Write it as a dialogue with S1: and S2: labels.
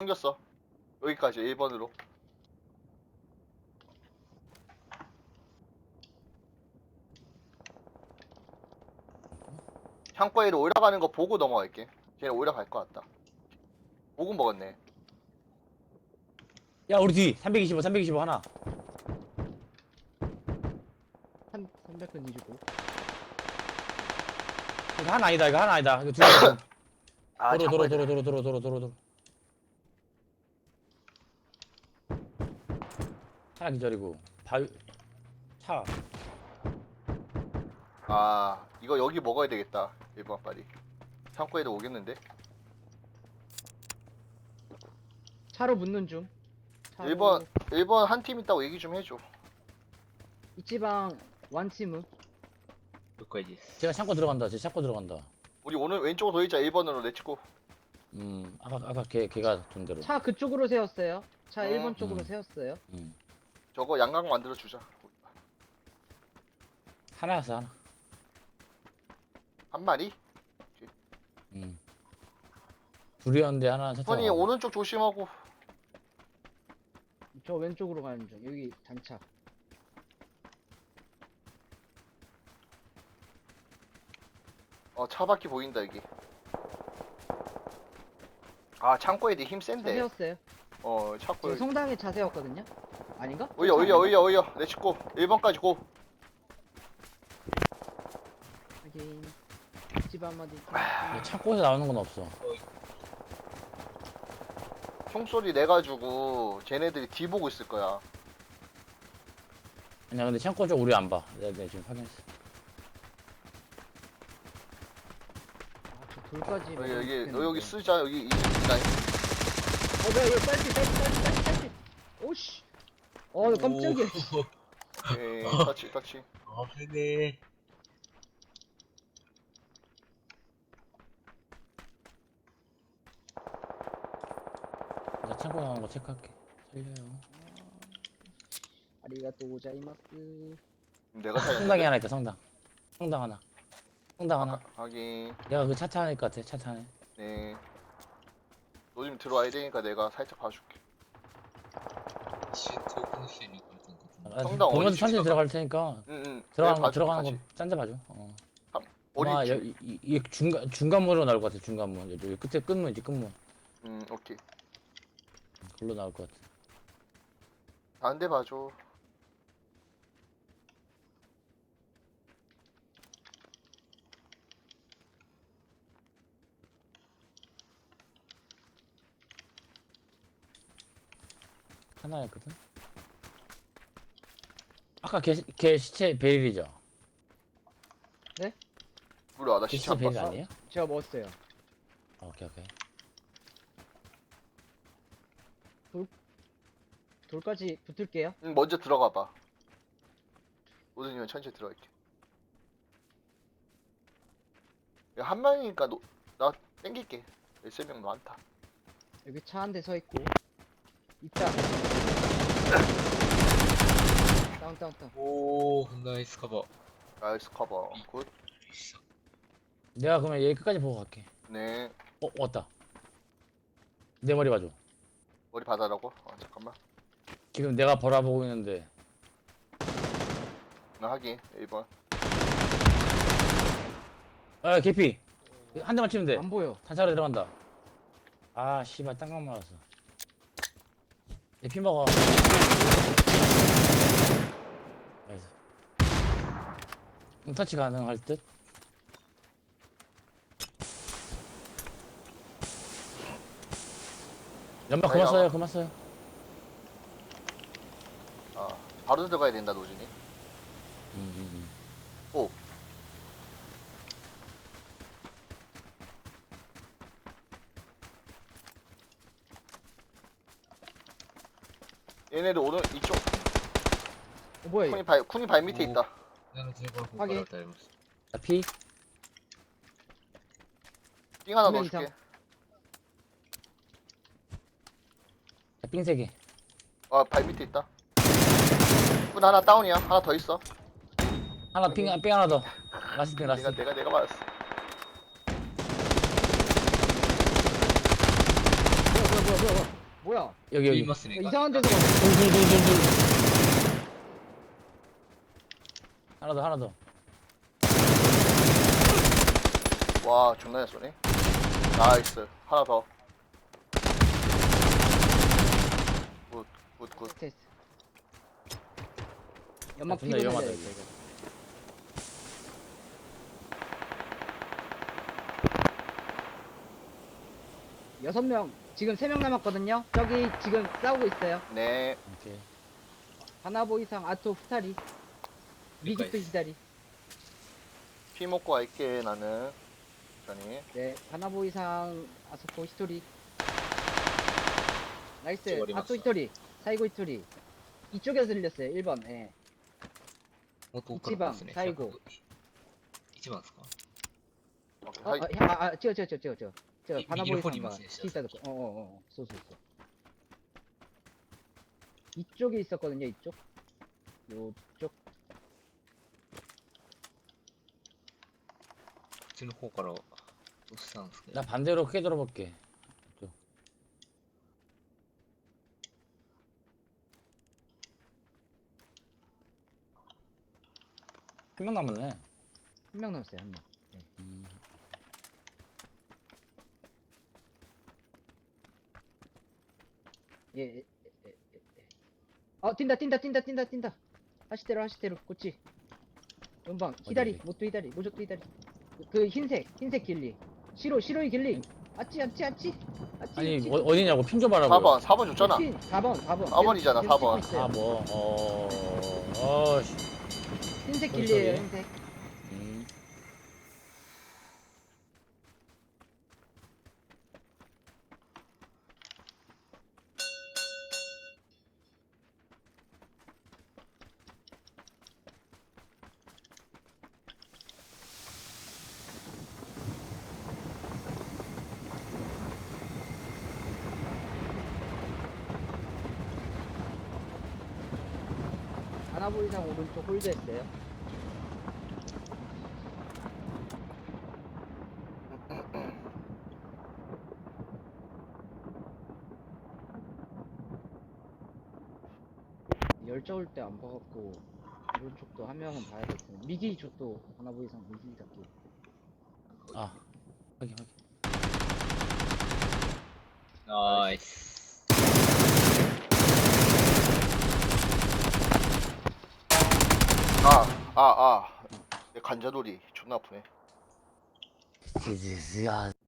S1: 생겼어. 여기까지 1번으로. 창고에로 올라가는 거 보고 넘어갈게. 걔는 올라갈 것 같다. 보고 먹었네.
S2: 야 우리 뒤 325 하나.
S3: 325.
S2: 이거 하나 아니다 이거 두 개.
S1: 아, 창고에
S2: 도로. 하나 기절이고 바위 차.
S1: 아, 이거 여기 먹어야 되겠다. 1번 빨리. 창고에도 오겠는데?
S3: 차로 붙는 중. 차로
S1: 1번 한 팀 있다고 얘기 좀 해줘.
S3: 이지방 완치무.
S2: 제가 창고 들어간다.
S1: 우리 오늘 왼쪽으로 돌리자. 1번으로 내치고.
S2: 아까 걔가 돈 대로.
S3: 차 그쪽으로 세웠어요. 차 1번 쪽으로
S2: 음.
S3: 세웠어요.
S1: 저거 양각 만들어 주자.
S2: 하나였어 하나.
S1: 한 마리?
S2: 둘이었는데 하나 차.
S1: 선이 오른쪽 조심하고.
S3: 저 왼쪽으로 가는 중. 여기 단차.
S1: 차 바퀴 보인다 여기. 아, 창고에 힘
S3: 차
S1: 센데.
S3: 세웠어요.
S1: 창고에.
S3: 저 성당에 차 세웠거든요. 아닌가?
S1: 올려. 내치고. 1번까지 고.
S3: 하긴 집 한마디.
S2: 창고에서 나오는 건 없어.
S1: 총소리 내가지고 쟤네들이 뒤 보고 있을 거야.
S2: 아니야 근데 창고 쪽 우리 안 봐. 내가 지금 확인했어.
S3: 저 돌까지.
S1: 여기 쓰자. 여기 이 라인.
S3: 뭐야 이거 딸피. 오씨. 깜짝이야.
S1: 오케이. 터치.
S4: 그래.
S2: 나 창고 나오는 거 체크할게. 살려요.
S3: 아리가또 고자이마스.
S1: 내가 살렸는데.
S2: 성당에 하나 있다 성당. 성당 하나.
S1: 하긴.
S2: 내가 그 차 타는 것 같아. 차 타네.
S1: 네. 너 좀 들어와야 되니까 내가 살짝 봐줄게. 성당
S2: 보면서
S1: 어디
S2: 천천히
S1: 집이야?
S2: 들어갈 테니까
S1: 응.
S2: 들어가는 거 짠데 봐줘.
S1: 어디
S2: 아마
S1: 집?
S2: 이 중간문으로 나올 것 같아. 중간문. 여기 끝에 끝문이지 끝문.
S1: 오케이.
S2: 글로 나올 것 같아.
S1: 다른 데 봐줘.
S2: 하나였거든. 아까 걔 시체 베릴이죠.
S1: 몰라, 나
S2: 걔
S1: 시체
S2: 시체
S1: 안
S2: 베릴
S1: 봤어.
S2: 아니에요?
S3: 제가 먹었어요.
S2: 오케이.
S3: 돌까지 붙을게요.
S1: 응, 먼저 들어가 봐. 오든이면 천천히 들어갈게. 야, 한 명이니까 나 땡길게. 3명 많다.
S3: 여기 차 한 대 서 있고. 있다. 다운.
S4: 오, 나이스 커버.
S1: 나이스 커버. 굿.
S2: 내가 그러면 얘 끝까지 보고 갈게.
S1: 네.
S2: 왔다. 내 머리 봐줘.
S1: 머리 받아라고? 잠깐만.
S2: 지금 내가 바라보고 있는데.
S1: 나 하긴. 1번.
S2: 개피. 한 대만 치면 돼.
S3: 안 보여.
S2: 탄차로 들어간다. 아 씨발 땅강 맞았어. 얘 피 먹어. 나이스. 터치 가능할 듯? 연막 그만 써요.
S1: 바로 들어가야 된다, 노진이. 오. 얘네들 오늘 이쪽
S3: 뭐야 이거?
S1: 쿤이 발 밑에 있다.
S4: 나는 제발
S3: 확인.
S2: 자, 피.
S1: 띵 하나
S3: 두 명
S1: 넣어줄게.
S3: 이상.
S2: 자, 삥 3개.
S1: 발 밑에 있다. 쿤 하나 다운이야. 하나 더 있어.
S2: 하나 삥 하나 더. 라스트 삥.
S1: 내가 맞았어.
S3: 뭐야 뭐야?
S2: 여기,
S4: 이
S2: 여기.
S4: 마스네
S3: 이상한 데서 가네.
S2: 둘. 하나 더.
S1: 와 존나 잘 쏘네. 나이스. 하나 더. 굿.
S3: 됐어. 연막
S2: 존나
S3: 피고
S2: 위험하다,
S3: 날려.
S2: 이거.
S3: 여섯 명 지금 3명 남았거든요. 저기 지금 싸우고 있어요.
S1: 네.
S2: 오케이.
S3: 하나보 이상 아토 후타리. 미국도
S4: 여기까지.
S3: 기다리.
S1: 피 먹고 갈게 나는. 천천히.
S3: 네, 하나보 이상 아소포 히토리. 나이스.
S4: 저거리
S3: 아토
S4: 맞어.
S3: 히토리. 사이고 히토리. 이쪽에서 들렸어요. 1번. 예.
S4: もっと奥からですね。
S3: 一番最後
S4: 一番ですか
S1: 오케이.
S3: 어,
S1: 하이.
S3: 저
S4: 이-
S3: 바나보이
S4: 미기로 폰이
S3: 상가
S4: 있어요, 진짜.
S3: 시타도 쏘. 이쪽에 있었거든요. 이쪽. 요쪽.
S4: こっちの方から押したんですけど
S2: 나 반대로 크게 돌아볼게. 또. 한 명 남았네.
S3: 한 명 남았어요. 한 명.
S2: 음.
S3: 예. 뛴다. 하시대로 꼬치. 연방 히다리
S2: 어디?
S3: 모토 히다리 모조토 히다리. 그 흰색 길리. 시로이 길리. 아찌.
S2: 아니 어디냐고 핑 줘봐라고.
S1: 4번 줬잖아.
S3: 4번.
S1: 4번이잖아, 4번.
S2: 아 뭐. 어씨.
S3: 흰색
S2: 뭔
S3: 길리에요.
S2: 소리?
S3: 흰색.
S2: 음.
S3: 하나보 이상 오른쪽 홀드했어요. 열자 올 때 안 봐갖고 오른쪽도 한 명은 봐야겠어요. 미기 쪽도 하나보 이상 미기 잡기.
S2: 아. 확인.
S4: ナイス
S1: 내 관자놀이 존나 아프네.
S2: 지지야.